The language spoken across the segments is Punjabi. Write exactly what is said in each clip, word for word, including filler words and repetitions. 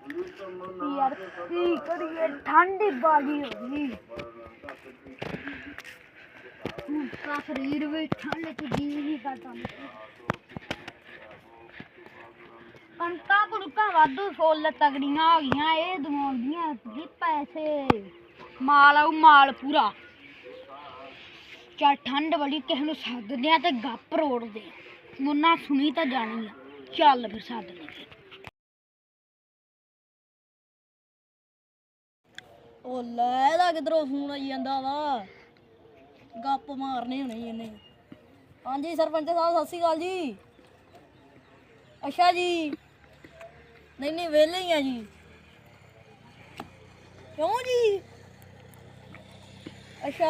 यार की करिए ठंडी बाली हो गई का शरीर भी ठंड च जी नहीं करता कणका कुणका वाधू फुल तगड़ियां हो गईयां ए दवाउंदियां जी पैसे माल आऊ माल पूरा चल ठंड बड़ी किसी नूं सददे आ ते गप रोड़दे मुन्ना सुनी तां जानी आ चल फिर सद लगे ओ ले किधरों फोन आई जांदा वा गप मारने होने इन्ने हाँ जी सरपंच साहब सत श्री अकाल जी अच्छा जी नहीं नहीं वेले ही हैं जी क्यों जी अच्छा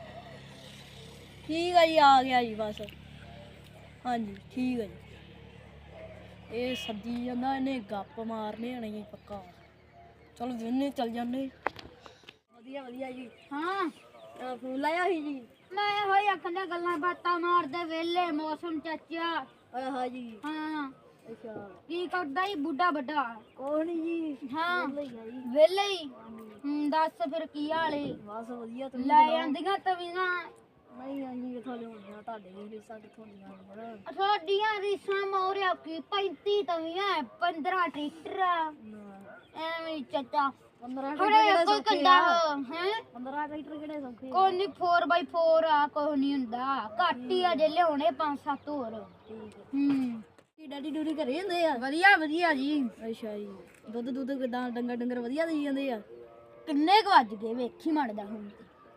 ठीक है जी आ गया जी बस हाँ जी ठीक है जी ये सद्दी जांदा इन्हें गप मारने होने जी पक्का चलो वेने चल जाने वधिया वधिया जी हाँ फोन लाया ही जी मैं होई आखंदा गल्लां बातां मारदे वेले मौसम चाचा हाँ जी हाँ अच्छा की करदा ही बुढ़ा बड़ा कौन जी हाँ जी वेले ही हूं दस फिर की हाल है बस वधिया तुम ਲੈ ਜਾਂਦੀਆਂ ਤਵੀਆਂ ਨਹੀਂ ਆਂਜੀ ਕਿਥੋਂ ਲਿਆਉਂਦੀਆਂ ਤੁਹਾਡੇ ਵੀ ਰੀਸਾਂ ਕਿਥੋਂ ਲੀਆਂ ਸਾਡੀਆਂ ਰੀਸਾਂ ਮੋਰਿਆ ਕੀ ਪੈਂਤੀ ਤਵੀਆਂ ਪੰਦਰਾਂ ਟਰੈਕਟਰ ਐਵੇਂ ਚਾਚਾ ਪੰਦਰਾਂ ਥੋੜੇ ਕੋਈ ਕੰਡਾ ਹੈ ਪੰਦਰਾਂ ਟਰੈਕਟਰ ਕਿਹੜੇ ਸੌਖੇ ਕੋਈ ਨਹੀਂ ਫੋਰ ਬਾਈ ਫੋਰ ਆ ਕੋਈ ਨਹੀਂ ਹੁੰਦਾ ਘੱਟ ਹੀ ਅਜੇ ਲਿਆਉਣੇ ਪੰਜ ਸੱਤ ਹੋਰ ਹੂੰ ਕੀ ਡੈਡੀ ਡੂਡੀ ਘਰੇ ਹੁੰਦੇ ਆ ਵਧੀਆ ਵਧੀਆ ਜੀ ਅੱਛਾ ਜੀ ਦੁੱਧ ਦੁੱਧ ਕਿਦਾਂ ਡੰਗਰ ਡੰਗਰ ਵਧੀਆ ਦੇਈ ਜਾਂਦੇ ਆ ਕਿੰਨੇ ਕੁ ਵੱਜ ਗਏ ਵੇਖੀ ਮੜਦਾ ਹੁਣ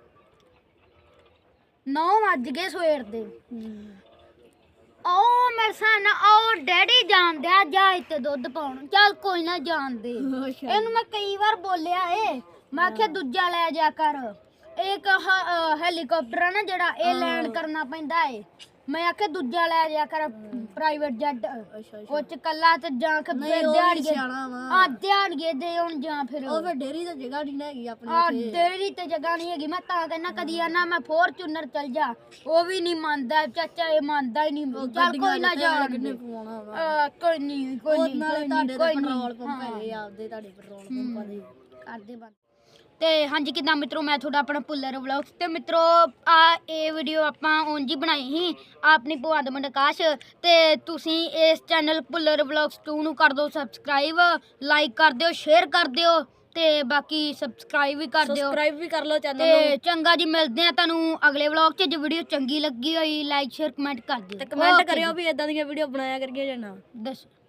ਨੌ ਵੱਜ ਗਏ ਸਵੇਰ ਦੇ ਉਹ ਮੇਰੇ ਸਾਨ ਉਹ ਡੈਡੀ ਜਾਣਦੇ ਆ ਜਾ ਇੱਥੇ ਦੁੱਧ ਪਾਉਣ ਚੱਲ ਕੋਈ ਨਾ ਜਾਣਦੇ ਇਹਨੂੰ ਮੈਂ ਕਈ ਵਾਰ ਬੋਲਿਆ ਏ ਮੈਂ ਆਖਿਆ ਦੂਜਾ ਲੈ ਜਾ ਕਰ ਇੱਕ ਹੈਲੀਕਾਪਟਰ ਆ ਨਾ ਜਿਹੜਾ ਇਹ ਲੈਂਡ ਕਰਨਾ ਪੈਂਦਾ ਏ ਮੈਂ ਆਖਿਆ ਦੂਜਾ ਲੈ ਜਾ ਕਰ ਪ੍ਰਾਈਵੇਟ ਜੈਟ ਉਹ ਚ ਕੱਲਾ ਤੇ ਜਾਂ ਕੇ ਦਿਹਾੜੀਏ ਆ ਦਿਹਾੜੀਏ ਦੇ ਹੁਣ ਜਾਂ ਫਿਰ ਉਹ ਫਿਰ ਡੇਰੀ ਤੇ ਜਗ੍ਹਾ ਨਹੀਂ ਹੈਗੀ ਆਪਣੇ ਆ ਡੇਰੀ ਤੇ ਜਗ੍ਹਾ ਨਹੀਂ ਹੈਗੀ ਮੈਂ ਤਾਂ ਕਹਿੰਦਾ ਕਦੀ ਆਣਾ ਮੈਂ ਫੋਰਚੂਨਰ ਚੱਲ ਜਾ ਉਹ ਵੀ ਨਹੀਂ ਮੰਨਦਾ ਚਾਚਾ ਇਹ ਮੰਨਦਾ ਹੀ ਨਹੀਂ ਚੱਲ ਕੋਈ ਨਾ ਜਾ ਕਿੰਨੇ ਪਵਾਉਣਾ ਵਾ ਕੋਈ ਨਹੀਂ ਕੋਈ ਨਹੀਂ ਨਾਲੇ ਤੁਹਾਡੇ ਪੈਟਰੋਲ ਪੰਪ ਹੈਗੇ ਆਪਦੇ ਤੁਹਾਡੇ ਪੈਟਰੋਲ ਪੰਪਾਂ ਦੇ ਕਰਦੇ ਬੰਦ ਤੇ ਹਾਂਜੀ ਕਿਦਾਂ ਮਿੱਤਰੋ ਮੈਂ ਤੁਹਾਡਾ ਆਪਣਾ ਪੁੱਲਰ ਵਲੌਗਸ ਤੇ ਮਿੱਤਰੋ ਆ ਇਹ ਵੀਡੀਓ ਆਪਾਂ ਉਂਝ ਹੀ ਬਣਾਈ ਸੀ ਆਪਣੀ ਭੂਆ ਦਾ ਮੁੰਡਾ ਆਕਾਸ਼ ਤੇ ਤੁਸੀਂ ਇਸ ਚੈਨਲ ਪੁੱਲਰ ਵਲੌਗਸ ਟੂ ਨੂੰ ਕਰ ਦਿਓ ਸਬਸਕ੍ਰਾਈਬ ਲਾਈਕ ਕਰ ਦਿਓ ਸ਼ੇਅਰ ਕਰ ਦਿਓ ਤੇ ਬਾਕੀ ਸਬਸਕ੍ਰਾਈਬ ਵੀ ਕਰ ਦਿਓ ਸਬਸਕ੍ਰਾਈਬ ਵੀ ਕਰ ਲਓ ਚੈਨਲ ਤੇ ਚੰਗਾ ਜੀ ਮਿਲਦੇ ਆ ਤੁਹਾਨੂੰ ਅਗਲੇ ਵਲੌਗ 'ਚ ਜੇ ਵੀਡੀਓ ਚੰਗੀ ਲੱਗੀ ਹੋਈ ਲਾਈਕ ਸ਼ੇਅਰ ਕਮੈਂਟ ਕਰ ਦਿਓ ਤੇ ਕਮੈਂਟ ਕਰਿਓ ਵੀ ਇਦਾਂ ਦੀਆਂ ਵੀਡੀਓ ਬਣਾਇਆ ਕਰੀਏ ਜਾਂ ਨਾ ਦੱਸੋ